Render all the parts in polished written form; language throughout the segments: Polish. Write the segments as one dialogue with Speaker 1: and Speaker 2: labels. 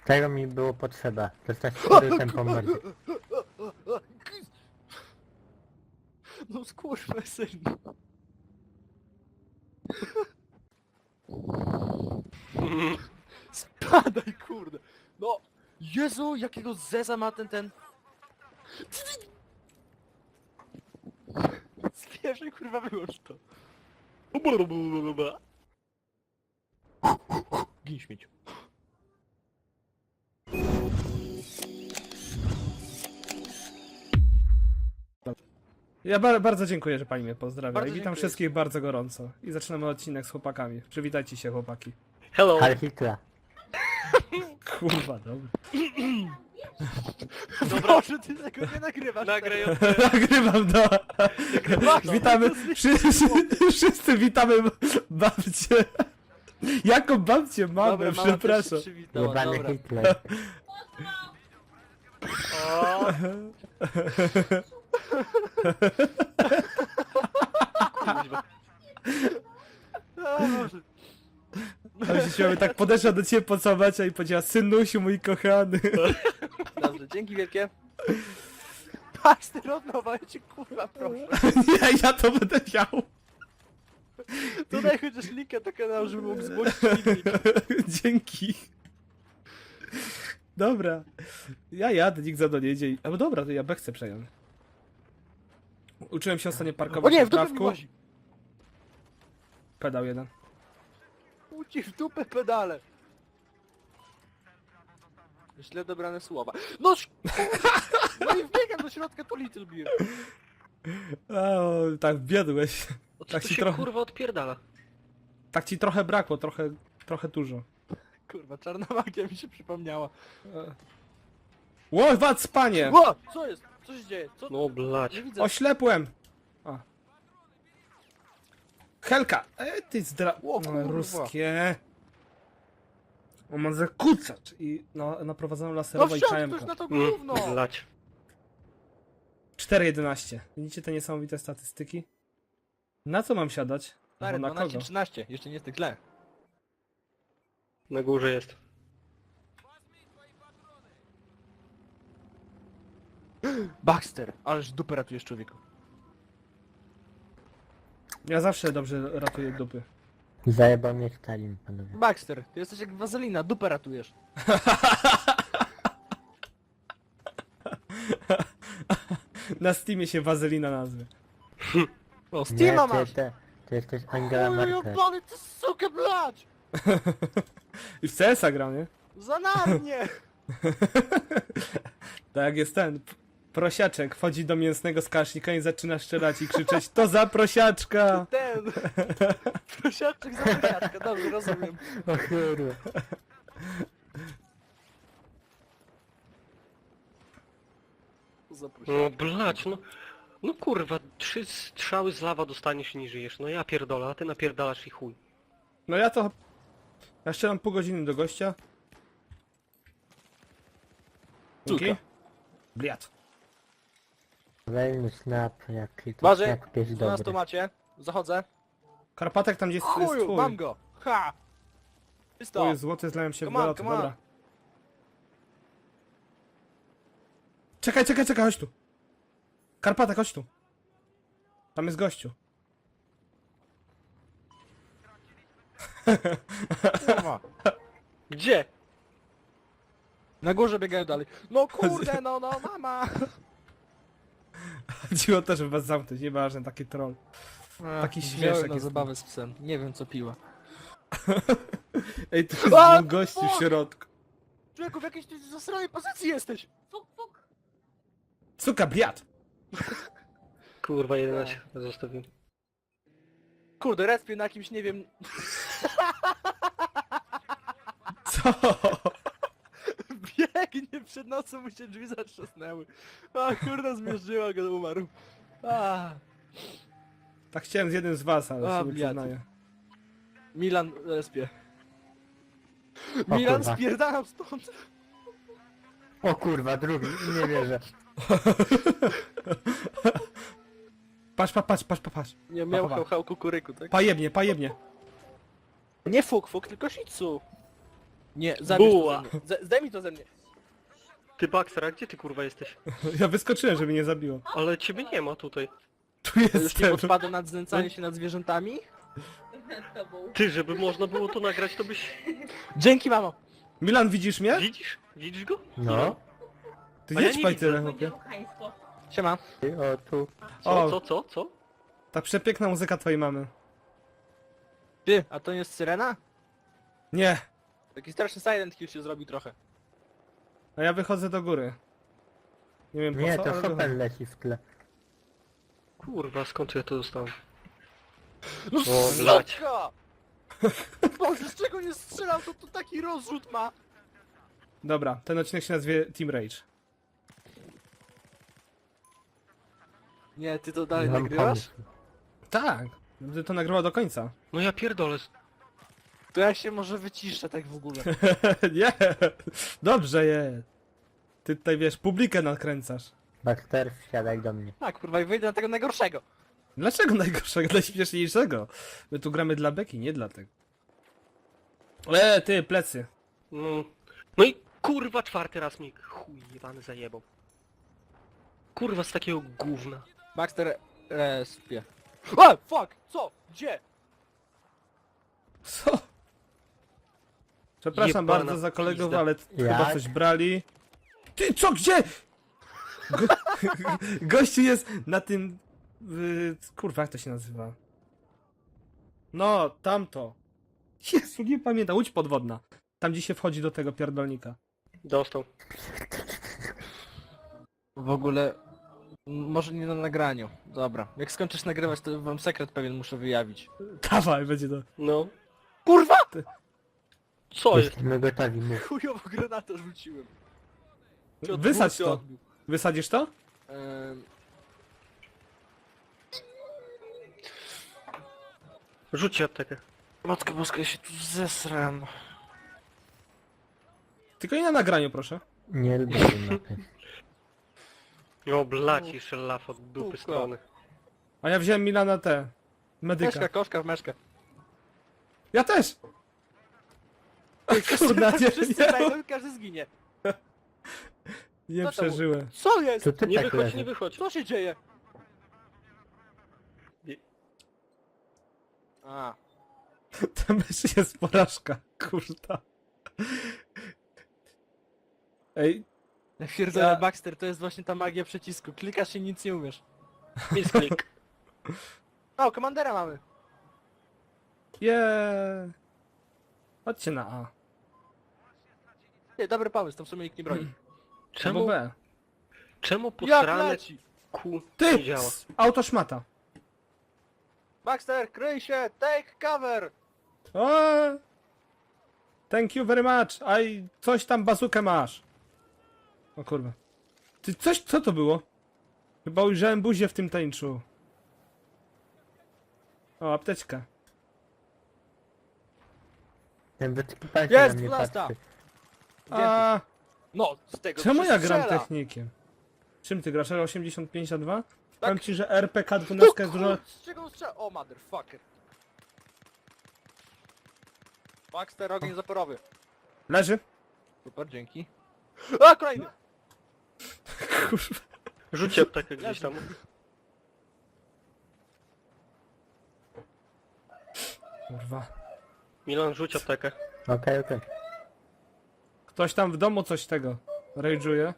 Speaker 1: Tego mi było potrzeba. Dostać ten pomysł.
Speaker 2: No skurwysyn. Spadaj, kurde. No, Jezu, jakiego zeza ma ten... Spieszaj, kurwa, wyłącz to. Gin śmieciu.
Speaker 3: Ja bardzo dziękuję, że pani mnie pozdrawia
Speaker 2: Bardzo
Speaker 3: i witam
Speaker 2: dziękuję.
Speaker 3: wszystkich bardzo gorąco. I zaczynamy odcinek z chłopakami. Przywitajcie się, chłopaki.
Speaker 2: Hello.
Speaker 1: Ale Hitler.
Speaker 3: Kurwa, dobra.
Speaker 2: Proszę, ty tego nie nagrywasz.
Speaker 4: Nagraj
Speaker 2: teraz.
Speaker 3: Nagrywam, no.
Speaker 2: Nagrywasz,
Speaker 3: Witamy,
Speaker 2: to jest-
Speaker 3: wszyscy witamy babcię. Jaką babcię mamy,
Speaker 2: Dobra, mama też
Speaker 3: przepraszam.
Speaker 2: się przywitała,
Speaker 1: Jebany
Speaker 2: dobra.
Speaker 1: Hitler.
Speaker 2: O, kuźwa. O, Boże.
Speaker 3: Ale się śmiałem, tak podeszła do ciebie pocałować i powiedziała: synusiu mój kochany.
Speaker 2: Dobrze, dzięki wielkie. Patrz, ty rozmowa, ja cię kurwa proszę.
Speaker 3: Nie, ja to będę miał.
Speaker 2: To daj chociaż linkę do kanału, żeby mógł zgłosić filmik.
Speaker 3: Dzięki. Dobra. Ja jadę, nikt za mną nie jedzie. No dobra, to ja B chcę przejąć. Uczyłem się ostatnio
Speaker 2: O
Speaker 3: parkować
Speaker 2: nie,
Speaker 3: na
Speaker 2: w dupę mi
Speaker 3: trawku.
Speaker 2: łazi.
Speaker 3: Pedał jeden.
Speaker 2: Uci w dupę pedale. Źle dobrane słowa. No no i wbiegam do środka, to Little Beer.
Speaker 3: O, tak biedłeś.
Speaker 4: O co
Speaker 3: Tak
Speaker 4: tu
Speaker 3: ci
Speaker 4: się
Speaker 3: trochę-
Speaker 4: kurwa odpierdala?
Speaker 3: Tak ci trochę brakło, trochę dużo.
Speaker 2: Kurwa, czarna magia mi się przypomniała.
Speaker 3: Łowac, panie!
Speaker 2: Ło! Co jest? Co się dzieje? Co?
Speaker 4: No blać.
Speaker 2: Nie widzę.
Speaker 3: Oślepłem! A. Helka! Ty
Speaker 2: O, kurwa.
Speaker 3: ruskie. On ma zakucacz i naprowadzoną
Speaker 2: No
Speaker 3: laserową i
Speaker 2: wsiadł ktoś
Speaker 3: czajemką.
Speaker 2: na to gówno!
Speaker 4: Blać.
Speaker 3: 4,11. Widzicie te niesamowite statystyki? Na co mam siadać?
Speaker 2: Stary,
Speaker 3: Albo na kogo?
Speaker 2: 12-13, jeszcze nie jest tak źle.
Speaker 4: Na górze jest.
Speaker 2: Baxter, ależ dupę ratujesz człowieku.
Speaker 3: Ja zawsze dobrze ratuję dupy.
Speaker 1: Zajebał mnie Stalin, panowie.
Speaker 2: Baxter, ty jesteś jak wazelina, dupę ratujesz.
Speaker 3: Na Steamie się wazelina nazwie.
Speaker 2: O,
Speaker 1: Nie,
Speaker 2: Steama masz!
Speaker 1: ty jesteś Angela
Speaker 2: Oj,
Speaker 1: Merkel.
Speaker 2: jebany, ty sukę blać!
Speaker 3: I w CS-a grał, nie?
Speaker 2: Za narnie!
Speaker 3: Tak jak jest ten prosiaczek, wchodzi do mięsnego skasznika i zaczyna strzelać i krzyczeć: to za prosiaczka!
Speaker 2: Ten! Prosiaczek za prosiaczka, dobrze, rozumiem.
Speaker 1: O kurwa.
Speaker 2: Za
Speaker 4: No
Speaker 2: prosiaczka.
Speaker 4: blać, no. No kurwa, 3 strzały z lawa dostaniesz i nie żyjesz. No ja pierdolę, a ty napierdalasz i chuj.
Speaker 3: No ja to... Ja strzelam pół godziny do gościa. Dzięki.
Speaker 2: Córka.
Speaker 3: Bliat.
Speaker 1: Kolejny snap, jaki to
Speaker 2: Uważaj,
Speaker 1: snap jest
Speaker 2: 12
Speaker 1: dobry.
Speaker 2: macie. Zachodzę.
Speaker 3: Karpatek tam gdzie jest
Speaker 2: Chuju,
Speaker 3: twój.
Speaker 2: mam go! Ha!
Speaker 3: O,
Speaker 2: Czysto!
Speaker 3: jest złoty, zlałem się w
Speaker 2: Come on,
Speaker 3: doloty,
Speaker 2: come on.
Speaker 3: dobra. Czekaj, chodź tu. Karpatek, chodź tu. Tam jest gościu.
Speaker 2: Kurwa. Gdzie? Na górze biegają dalej. No kurde, no, mama!
Speaker 3: Chodziło też, żeby was zamknąć, nieważne, taki troll. Taki
Speaker 2: Wziąłem
Speaker 3: śmieszek
Speaker 2: na
Speaker 3: jest.
Speaker 2: zabawę z psem. Nie wiem co piła.
Speaker 3: Ej, tu jest
Speaker 2: A,
Speaker 3: dwóch gości w
Speaker 2: fuck!
Speaker 3: środku.
Speaker 2: Człowieku, w jakiejś ty zasranej pozycji jesteś!
Speaker 3: Suka, bliat!
Speaker 4: Kurwa, 11 zostawiłem.
Speaker 2: Kurde, respię na kimś, nie wiem...
Speaker 3: Co?
Speaker 2: Biegnie przed nocą, mu się drzwi zatrzasnęły. A kurde, zmierzyła go, umarł. A,
Speaker 3: Tak chciałem z jednym z was, ale
Speaker 2: A,
Speaker 3: sobie
Speaker 2: bliat.
Speaker 3: przyznaję.
Speaker 2: Milan respie.
Speaker 1: O
Speaker 2: Milan
Speaker 1: kurwa.
Speaker 2: spierdalam stąd!
Speaker 1: O kurwa, drugi, nie wierzę.
Speaker 3: Patrz.
Speaker 2: Nie miał
Speaker 3: Pa.
Speaker 2: hał kukuryku, tak?
Speaker 3: Pajebnie.
Speaker 2: Nie fuk, tylko shih tzu. Nie, zabierz to
Speaker 4: Buła.
Speaker 2: ze mnie. Zdejmij to ze mnie.
Speaker 4: Ty Baxter, a gdzie ty kurwa jesteś?
Speaker 3: Ja wyskoczyłem, żeby nie zabiło.
Speaker 4: Ale ciebie nie ma tutaj.
Speaker 3: Tu
Speaker 2: To już nie
Speaker 3: jestem.
Speaker 2: podpada nad znęcanie się nad zwierzętami?
Speaker 4: Ty, żeby można było to nagrać, to byś...
Speaker 2: Dzięki, mamo!
Speaker 3: Milan, widzisz mnie?
Speaker 4: Widzisz? Widzisz go?
Speaker 1: No.
Speaker 3: Ty
Speaker 4: A ja
Speaker 3: jedź
Speaker 4: nie
Speaker 3: paj
Speaker 4: widzę.
Speaker 3: tyle, chłopie.
Speaker 2: Siema.
Speaker 1: O, tu.
Speaker 3: O.
Speaker 4: Co?
Speaker 3: Ta przepiękna muzyka twojej mamy.
Speaker 2: Ty, a to nie jest syrena?
Speaker 3: Nie.
Speaker 2: Taki straszny Silent Hill się zrobił trochę.
Speaker 3: A ja wychodzę do góry. Nie wiem po
Speaker 1: Nie,
Speaker 3: co,
Speaker 1: to
Speaker 3: ale
Speaker 1: Chopin
Speaker 3: wychodzę.
Speaker 1: leci w tle.
Speaker 4: Kurwa, skąd ja to dostałem?
Speaker 2: No
Speaker 4: O, blać.
Speaker 2: suka! Boże, z czego nie strzelał, to taki rozrzut ma!
Speaker 3: Dobra, ten odcinek się nazywie Team Rage.
Speaker 2: Nie, ty to dalej
Speaker 1: Mam
Speaker 2: nagrywasz?
Speaker 1: pomysł.
Speaker 3: Tak. Będę to nagrywał do końca.
Speaker 4: No ja pierdolę.
Speaker 2: To ja się może wyciszę tak w ogóle.
Speaker 3: Nie. Dobrze jest. Ty tutaj wiesz, publikę nakręcasz.
Speaker 1: Baxter, wsiadaj do mnie.
Speaker 2: Tak, kurwa, i wyjdę na tego najgorszego.
Speaker 3: Dlaczego najgorszego? Dla śmieszniejszego. My tu gramy dla beki, nie dla tego. Ty, plecy.
Speaker 4: No i kurwa czwarty raz mi chuj jebany zajebał. Kurwa z takiego gówna.
Speaker 2: Baxter, respie. A, fuck! Co? Gdzie?
Speaker 3: Co? Przepraszam
Speaker 4: Jebana
Speaker 3: bardzo za kolegów,
Speaker 4: pizda.
Speaker 3: ale chyba
Speaker 1: Jak?
Speaker 3: coś brali. Ty, co, gdzie? Go... Gościu jest na tym... Kurwa, jak to się nazywa? No, tamto. Jezu, nie pamiętam, łódź podwodna. Tam, gdzie się wchodzi do tego pierdolnika.
Speaker 4: Dostał.
Speaker 2: W ogóle... Może nie na nagraniu. Dobra. Jak skończysz nagrywać, to wam sekret pewien muszę wyjawić.
Speaker 3: Dawaj, będzie to.
Speaker 4: No.
Speaker 2: Kurwa!
Speaker 4: Co jest?
Speaker 1: Jesteśmy gotowi, mów.
Speaker 2: Chujowo granatę rzuciłem. Cię od
Speaker 3: Wysadź
Speaker 2: dwóch się
Speaker 3: to.
Speaker 2: odbił.
Speaker 3: Wysadzisz to?
Speaker 2: Em,
Speaker 4: Rzućcie aptekę.
Speaker 2: Matko boska, ja się tu zesram.
Speaker 3: Tylko nie na nagraniu, proszę.
Speaker 1: Nie lubię tej mapy.
Speaker 4: O blać jeszcze laf od dupy
Speaker 2: Kurwa.
Speaker 4: strony.
Speaker 3: A ja wziąłem Milana te. Medyka.
Speaker 2: Meszka, koszka w meszkę.
Speaker 3: Ja też! Kurna, nie,
Speaker 2: Wszyscy wejdą i każdy zginie.
Speaker 3: nie
Speaker 2: Co to
Speaker 3: przeżyłem.
Speaker 2: Co jest?
Speaker 1: To ty
Speaker 4: Nie
Speaker 1: tak
Speaker 4: wychodź,
Speaker 1: leży.
Speaker 4: nie wychodź.
Speaker 2: Co się dzieje?
Speaker 4: Nie.
Speaker 2: A.
Speaker 3: To myszy jest porażka, kurta. Ej,
Speaker 2: Ja pierdolę,
Speaker 3: Ja-
Speaker 2: Baxter, to jest właśnie ta magia przycisku. Klikasz i nic nie umiesz.
Speaker 4: Misklik.
Speaker 2: O, komandera mamy.
Speaker 3: Chodźcie na A.
Speaker 2: Nie, dobry pomysł, to w sumie nikt nie broni.
Speaker 3: Albo
Speaker 4: Czemu,
Speaker 3: B.
Speaker 4: czemu
Speaker 2: Jak
Speaker 4: posrane
Speaker 2: leci?
Speaker 4: kół
Speaker 3: Ty!
Speaker 4: nie działa?
Speaker 3: Auto szmata.
Speaker 2: Baxter, kryj się, take cover!
Speaker 3: O! Thank you very much. Aj, coś tam bazukę masz. O kurwa. Ty, co to było? Chyba ujrzałem buzię w tym tańczu. O, apteczka.
Speaker 1: Ten wytykipańca
Speaker 2: Jest,
Speaker 1: na mnie
Speaker 2: 12.
Speaker 1: patrzy.
Speaker 3: A,
Speaker 2: No, z tego
Speaker 3: czemu
Speaker 2: się
Speaker 3: ja gram
Speaker 2: strzela.
Speaker 3: technikiem? Czym ty grasz? 85A2?
Speaker 2: Tak.
Speaker 3: Powiem ci, że RPK
Speaker 2: No
Speaker 3: 12 jest dużo...
Speaker 2: kur... z czego on strzela? O, motherfucker. Baxter, ogień zaporowy.
Speaker 3: Leży?
Speaker 2: Super, dzięki. A, kolejny!
Speaker 3: Kurwa.
Speaker 4: Rzućcie aptekę gdzieś tam.
Speaker 3: Kurwa.
Speaker 4: Milan, rzuć aptekę.
Speaker 1: Okej, okej.
Speaker 3: Ktoś tam w domu coś tego rage'uje.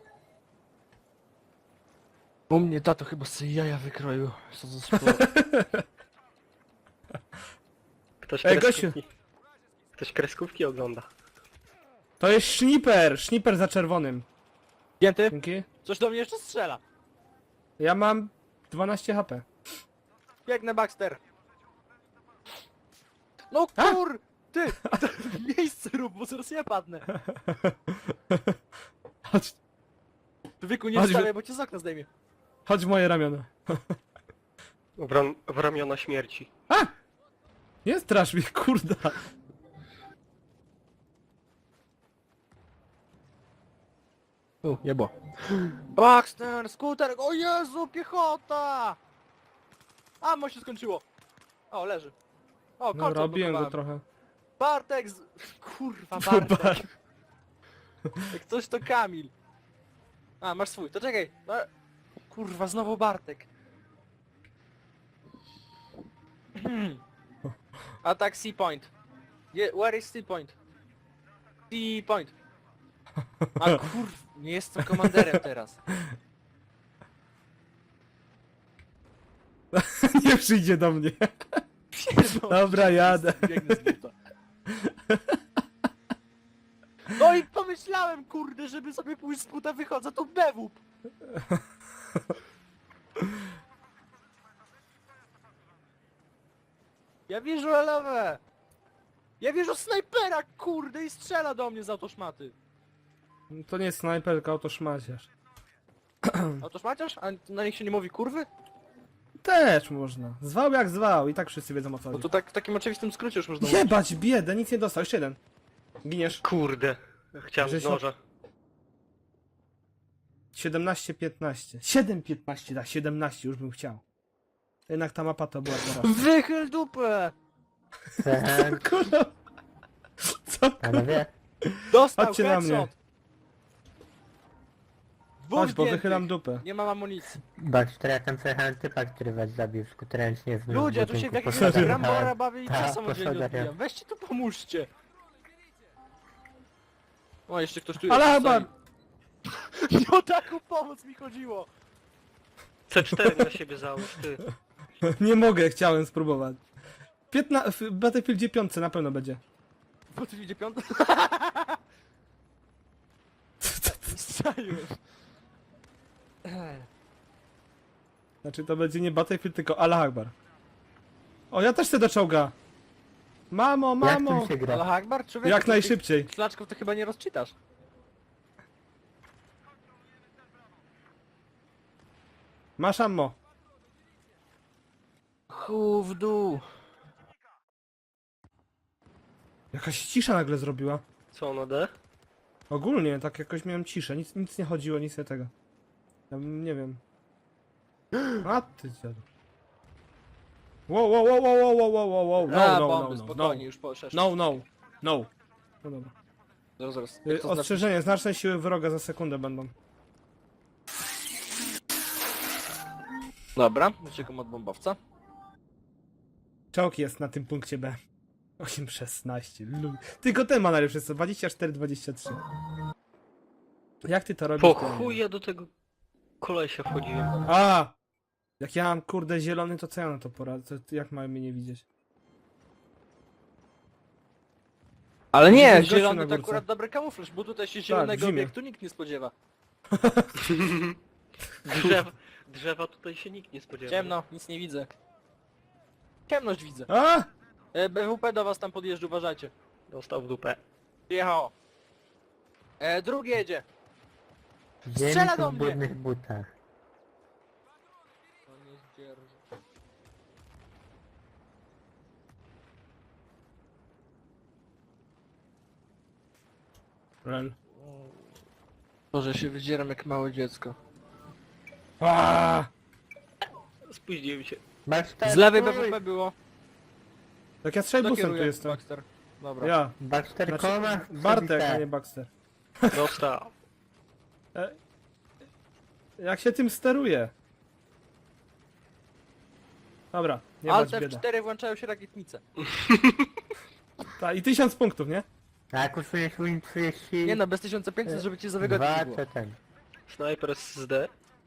Speaker 2: U mnie tato chyba sobie jaja wykroił. Co za sporo.
Speaker 4: Ktoś
Speaker 3: Ej,
Speaker 4: kreskówki. Ktoś kreskówki ogląda.
Speaker 3: To jest Sniper! Sniper za czerwonym.
Speaker 2: Pięty?
Speaker 3: Dzięki.
Speaker 2: Coś do mnie jeszcze strzela.
Speaker 3: Ja mam 12 HP.
Speaker 2: Biegnę, Baxter. No
Speaker 3: A?
Speaker 2: kur... Ty! Miejsce rób, bo zaraz ja padnę.
Speaker 3: Chodź,
Speaker 2: Wieku, nie
Speaker 3: Chodź,
Speaker 2: wstawiaj, bo cię z okna zdejmie.
Speaker 3: chodź w moje ramiona.
Speaker 4: W ramiona śmierci.
Speaker 3: Nie strasz mnie, kurda.
Speaker 2: Jebo. Baxter, skuter, o Jezu, piechota! Ammo się skończyło. O, leży. O,
Speaker 3: No,
Speaker 2: kolce
Speaker 3: robiłem go
Speaker 2: odblokowałem.
Speaker 3: trochę.
Speaker 2: Bartek z... Kurwa, Bartek.
Speaker 3: Bar-
Speaker 2: Jak coś to Kamil. A, masz swój, to czekaj. No, kurwa, znowu Bartek. Atak C-point. Where is C-point? C-point. A kurwa, nie jestem komanderem teraz.
Speaker 3: Nie przyjdzie do mnie. Dobra, jadę.
Speaker 2: Biegnę z buta. No i pomyślałem, kurde, żeby sobie pójść z buta, wychodzę, to bewup. Ja wierzę lewę. Ja wierzę snajpera, kurde, i strzela do mnie z autoszmaty.
Speaker 3: To nie jest snajperka, to szmaciarz.
Speaker 2: Autoszmaciarz? A na nich się nie mówi kurwy?
Speaker 3: Też można. Zwał jak zwał i tak wszyscy wiedzą o co
Speaker 2: No
Speaker 3: chodzi.
Speaker 2: to tak w takim oczywistym skrócie już można mówić.
Speaker 3: Jebać biedę, nic nie dostał, jeszcze jeden. Giniesz.
Speaker 4: Kurde. Chciałem z
Speaker 3: Grzesio?
Speaker 4: noża.
Speaker 3: 17-15. 7-15, da, 17 już bym chciał. Jednak ta mapa to była teraz.
Speaker 2: Wychyl dupę!
Speaker 3: Kurwa. Co?
Speaker 1: Panowie,
Speaker 2: Dostał
Speaker 3: Chodźcie na mnie.
Speaker 2: headshot! Dwóch
Speaker 3: Chodź, bo
Speaker 2: zdjętych.
Speaker 3: wychylam dupę.
Speaker 2: Nie mam amunicji.
Speaker 1: Baxter, ja tam przejechałem typa, który was zabił skuterencznie w
Speaker 2: Ludzie, tu się w
Speaker 1: budynku
Speaker 2: jakiegoś
Speaker 1: po schodach
Speaker 2: Rambora
Speaker 1: jechałem.
Speaker 2: bawię i
Speaker 1: Tak,
Speaker 2: cię samodzielnie
Speaker 1: po schodach
Speaker 2: odbijam. Weźcie tu pomóżcie. O, jeszcze ktoś tu
Speaker 3: Ale
Speaker 2: jest.
Speaker 3: chyba...
Speaker 2: Nie o taką pomoc mi chodziło.
Speaker 4: C4 na siebie załóż, ty.
Speaker 3: Nie mogę, chciałem spróbować. W Battlefieldzie 5 na pewno będzie.
Speaker 2: Bo tu idzie piąta. Strzeliłem.
Speaker 3: Znaczy to będzie nie Battlefield, tylko Allah Akbar. O, ja też chcę do czołga. Mamo,
Speaker 1: Jak
Speaker 3: mamo.
Speaker 1: tu się gra?
Speaker 2: Ale Akbar, człowieku,
Speaker 3: Jak
Speaker 2: to
Speaker 3: najszybciej.
Speaker 2: tych Flaczków to chyba nie rozczytasz.
Speaker 3: Masz ammo.
Speaker 2: Chu w dół.
Speaker 3: Jakaś cisza nagle zrobiła.
Speaker 4: Co ono D?
Speaker 3: Ogólnie, tak jakoś miałem ciszę. Nic nie chodziło, nic nie tego. Nie wiem. A ty dziadu. Wow, wow, wow, wow, wow, wow, wow, wow.
Speaker 2: A,
Speaker 3: No,
Speaker 2: bomby,
Speaker 3: no, no, no.
Speaker 2: spokojnie, już poszedł.
Speaker 3: No, no, no. No dobra.
Speaker 2: Zaraz. Jak to znaczy?
Speaker 3: Ostrzeżenie, znaczne siły wroga za sekundę będą.
Speaker 2: Dobra, uciekam od bombowca.
Speaker 3: Czołg jest na tym punkcie B. 8-16. Tylko ten ma najlepsze, co? 24-23. Jak ty to robisz?
Speaker 4: Po
Speaker 3: to ja nie
Speaker 4: chuj
Speaker 3: wiem.
Speaker 4: ja do tego kolesia wchodziłem.
Speaker 3: A! Jak ja mam kurde zielony, to co ja na to poradzę? Jak mają mnie nie widzieć?
Speaker 2: Ale nie,
Speaker 3: Gościu na
Speaker 2: zielony to
Speaker 3: górce.
Speaker 2: akurat dobry kamuflaż, bo tutaj się
Speaker 3: w
Speaker 2: zielonego
Speaker 3: zimie.
Speaker 2: obiektu nikt nie spodziewa.
Speaker 4: Drzewa tutaj się nikt nie spodziewa.
Speaker 2: Ciemno, nic nie widzę. Ciemność widzę.
Speaker 3: A!
Speaker 2: BWP do was tam podjeżdża, uważajcie.
Speaker 4: Dostał w dupę.
Speaker 2: Jechało. Drugi jedzie.
Speaker 1: Ziemi
Speaker 2: Strzela
Speaker 1: tu
Speaker 2: do
Speaker 1: w
Speaker 2: mnie!
Speaker 1: brudnych butach.
Speaker 3: Rel.
Speaker 2: Boże, się wydzieram jak małe dziecko.
Speaker 3: A!
Speaker 4: Spóźniłem się.
Speaker 1: Baxter,
Speaker 2: Z lewej
Speaker 1: stój!
Speaker 2: BWP było.
Speaker 3: Jak ja strzelbusem tu
Speaker 2: Kieruje,
Speaker 3: jestem.
Speaker 2: Baxter. Dobra.
Speaker 3: Ja.
Speaker 1: Baxter,
Speaker 3: Znaczy,
Speaker 1: koma?
Speaker 3: Bartek, a nie Baxter.
Speaker 4: Dostał.
Speaker 3: Jak się tym steruje? Dobra, nie bać
Speaker 2: Alt
Speaker 3: bieda.
Speaker 2: F4 włączają się rakietnice.
Speaker 3: I 1000 punktów, nie?
Speaker 1: Tak, usuniesz Win 30...
Speaker 2: Nie no, bez 1500, żeby cię za wygodnie nie
Speaker 1: Dwa,
Speaker 2: było.
Speaker 1: co ten?
Speaker 4: Snajper z D.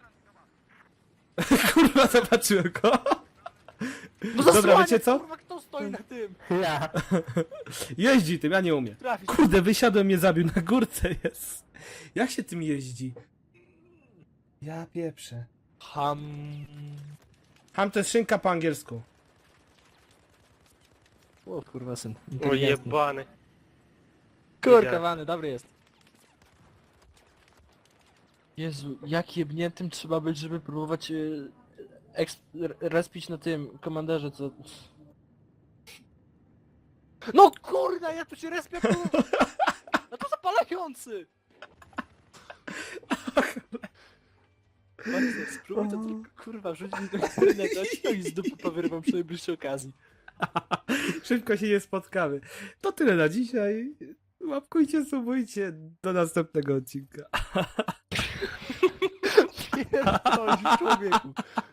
Speaker 3: Kurwa, zobaczyłem go.
Speaker 2: No
Speaker 3: Dobra,
Speaker 2: zasłaniaj,
Speaker 3: wiecie co?
Speaker 2: Kurwa, kto stoi na tym?
Speaker 1: Ja!
Speaker 3: Jeździ tym, ja nie umiem.
Speaker 2: Trafisz.
Speaker 3: Kurde, wysiadłem, mnie zabił, na górce jest. Jak się tym jeździ? Ja pieprzę. Ham to jest szynka po angielsku.
Speaker 2: O kurwa syn.
Speaker 4: O jebany.
Speaker 2: Kurka wany, dobry jest. Jezu, jak jebniętym trzeba być, żeby próbować respić na tym komanderze, co... No kurna, ja tu się respię, kurwa! No to zapalający! Baxter, spróbuj to tylko, kurwa, rzuć mi do internetu, a ci z dupy powyrwam przy najbliższej okazji.
Speaker 3: Szybko się nie spotkamy. To tyle na dzisiaj. Łapkujcie, subujcie. Do następnego odcinka.
Speaker 2: Pierdolisz, człowieku.